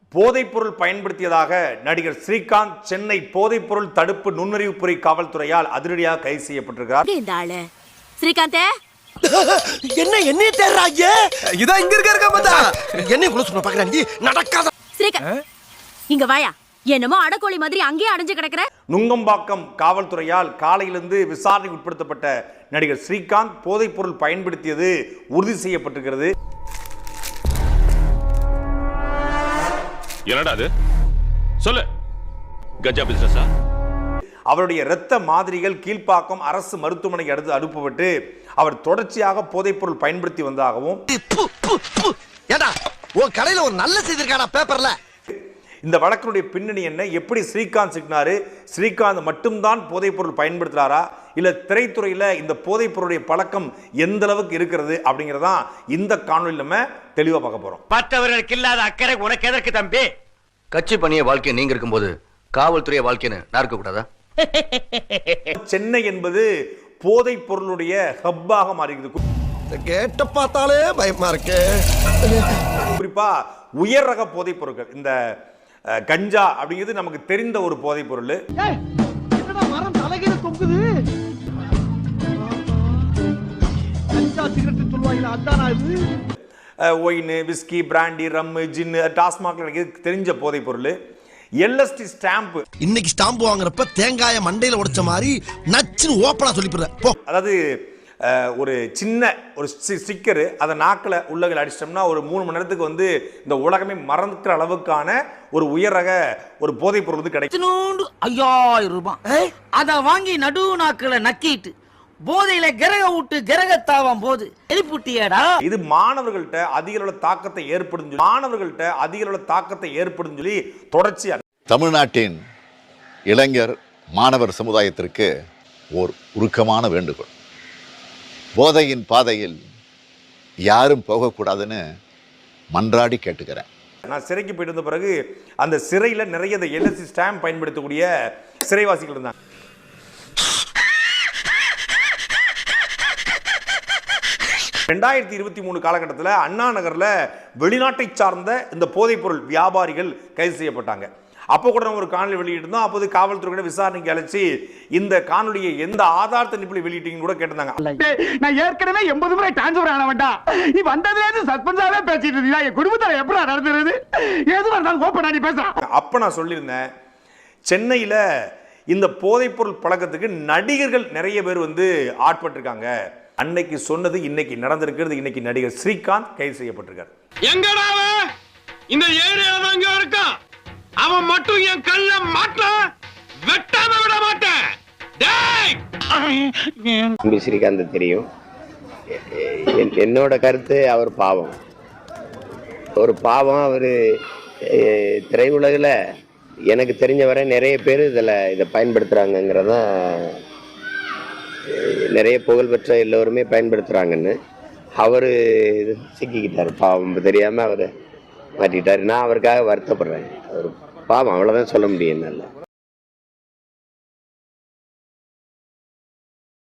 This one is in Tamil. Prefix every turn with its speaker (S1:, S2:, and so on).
S1: போதைப்பொருள் பயன்படுத்தியதாக நடிகர் ஸ்ரீகாந்த் சென்னை போதைப்பொருள் தடுப்பு நுண்ணறிவுத்துறை காவல்துறையால் அதிரடியாக கைது செய்யப்பட்டிருக்கிறார்.
S2: இந்த ஆளு ஸ்ரீகாந்தே
S3: என்ன தேடுறாங்க? இதான் இங்க இருக்க பார்த்தா என்ன குள்ள சொன்ன பாக்குறாங்க நடக்காத.
S2: ஸ்ரீகாந்த் இங்க வாயா. என்னமோ அடக்கோழி மாதிரி அங்கேயே அடைஞ்சு கிடக்குற.
S1: நுங்கம்பாக்கம் காவல்துறையால் காலையிலிருந்து விசாரணைக்கு உட்படுத்தப்பட்ட நடிகர் ஸ்ரீகாந்த் போதைப்பொருள் பயன்படுத்தியது உறுதி செய்யப்பட்டிருக்கிறது.
S4: என்னடா அது? சொல்லு. கஞ்சா பிசினஸா?
S1: அவருடைய இரத்த மாதிரிகள் கீழ்ப்பாக்கம் அரசு மருத்துவமனைக்கு அடுத்து அனுப்பப்பட்டு அவர் தொடர்ச்சியாக போதைப்பொருள் பயன்படுத்தி வந்ததாகவும்
S3: ஏடா உன் கடையில ஒரு நல்ல செய்தி இருக்காடா பேப்பர்ல.
S1: இந்த வழக்கினுடைய பின்னணி என்ன, எப்படி ஸ்ரீகாந்த் சிக்கினாரு, ஸ்ரீகாந்த் மட்டும்தான் போதைப்பொருள் பயன்படுத்துறாரா இல்ல திரைத்துறையில இந்த போதைப்பொருளுடைய பழக்கம் எந்த அளவுக்கு இருக்கிறது அப்படிங்கறதான் இந்த காணொலியில் நம்ம தெளிவா பார்க்க போறோம்.
S5: மற்றவர்களுக்கு இல்லாத அக்கறை உனக்கு எதற்கு தம்பி?
S6: கட்சி பணிய வாழ்க்கை நீங்க இருக்கும்போது காவல்துறை வாழ்க்கைன்னு நான் இருக்க கூடாதா?
S1: சென்னை என்பது போதைப் பொருளுடைய ஹப்பாக மாறிக்குது.
S3: கேட்ட பார்த்தாலே பயமா இருக்கு.
S1: குறிப்பா உயர் ரக போதைப் பொருட்கள், இந்த கஞ்சா அப்படிங்கிறது நமக்கு தெரிந்த ஒரு போதைப் பொருள்.
S7: மரம் தலைகீழ தொங்குது. கஞ்சா சிகரெட் சொல்வாங்க அதானா இது?
S1: Wine, whisky, brandy, rum, gin, TASMAC தெரிஞ்ச போதைப் பொருள். எல்எஸ்டி ஸ்டாம்ப்,
S3: இன்னைக்கு ஸ்டாம்ப் வாங்குறப்ப தேங்காய மண்டையில உடைச்ச மாதிரி நச்சுன்னு ஓப்பனா சொல்லிடுற.
S1: அதாவது ஒரு சின்ன ஒரு ஸ்டிக்கரு அதை நாக்கில் உள்ளகள் அடிச்சிட்டோம்னா ஒரு 3 மணி நேரத்துக்கு வந்து இந்த உலகமே மறந்துக்கிற அளவுக்கான ஒரு உயர் ரக ஒரு போதைப் பொருள் வந்து கிடைக்கும்.
S5: 5000 ரூபாய் அத வாங்கி நடு நாக்குல நக்கிட்டு போதையில கிரக விட்டு கிரகத்தாவும் போது எழுப்புட்டியடா.
S1: இது மாணவர்கள்ட்ட அதிக அளவு தாக்கத்தை ஏற்படுத்தும் சொல்லி தொடர்ச்சியாக
S8: தமிழ்நாட்டின் இளைஞர் மாணவர் சமுதாயத்திற்கு ஓர் உருக்கமான வேண்டுகோள். போதையின் பாதையில் யாரும் போகக்கூடாதுன்னு மன்றாடி கேட்டுக்கிறேன்.
S1: நான் சிறைக்கு போயிட்டு வந்த பிறகு அந்த சிறையில் நிறைய எல்எஸ்டி ஸ்டாம்ப் பயன்படுத்தக்கூடிய சிறைவாசிகள் இருந்தாங்க. ரெண்டாயிரத்தி 23 காலகட்டத்தில் அண்ணா நகரில் வெளிநாட்டை சார்ந்த இந்த போதைப்பொருள் வியாபாரிகள் கைது செய்யப்பட்டாங்க. அப்போ கூட நம்ம ஒரு காணொலி வெளியிட்டிருந்தோம். அப்போது காவல்துறை விசாரணைக்கு அழைச்சி இந்த காணொலியை எந்த ஆதாரத்தை நிப்பில் வெளியிட்டீங்கன்னு கூட கேட்டிருந்தாங்க.
S7: நான் ஏற்கனவே 80 முறை டிரான்ஸ்ஃபர் ஆன வேண்டாம். நீ வந்ததுலேருந்து சஸ்பென்ஸாவே பேசிட்டு இருந்தீங்க. என் குடும்பத்தில் எப்படி நடந்துருது எது வந்தாலும் ஓப்பன் பண்ணி பேசுறேன்.
S1: அப்போ நான் சொல்லியிருந்தேன், சென்னையில் இந்த போதைப்பொருள் பழக்கத்துக்கு நடிகர்கள் நிறைய பேர் வந்து ஆட்பட்டிருக்காங்க. அன்னைக்கு சொன்னது இன்னைக்கு நடந்திருக்கிறது. இன்னைக்கு நடிகர் ஸ்ரீகாந்த் கைது செய்யப்பட்டிருக்கார்.
S4: எங்கடா இந்த ஏரியால அங்க இருக்கான். அவன் மட்டும் என் கல்ல மாட்ட வெட்டாம விட மாட்டேன்.
S9: டேய் ஸ்ரீகாந்த் தெரியும். என்னோட கருத்து அவர் பாவம். ஒரு பாவம். அவர் திரையுலகில் எனக்கு தெரிஞ்ச வரை நிறைய பேர் இதை பயன்படுத்துகிறாங்கங்கிறத நிறைய புகழ்பெற்ற எல்லோருமே பயன்படுத்துகிறாங்கன்னு அவர் சிக்கிக்கிட்டார். பாவம் தெரியாமல் அவர் மாட்டிக்கிட்டார். நான் அவருக்காக வருத்தப்படுறேன். அவர் பாவம், அவ்வளோதான் சொல்ல முடியும் என்னால்.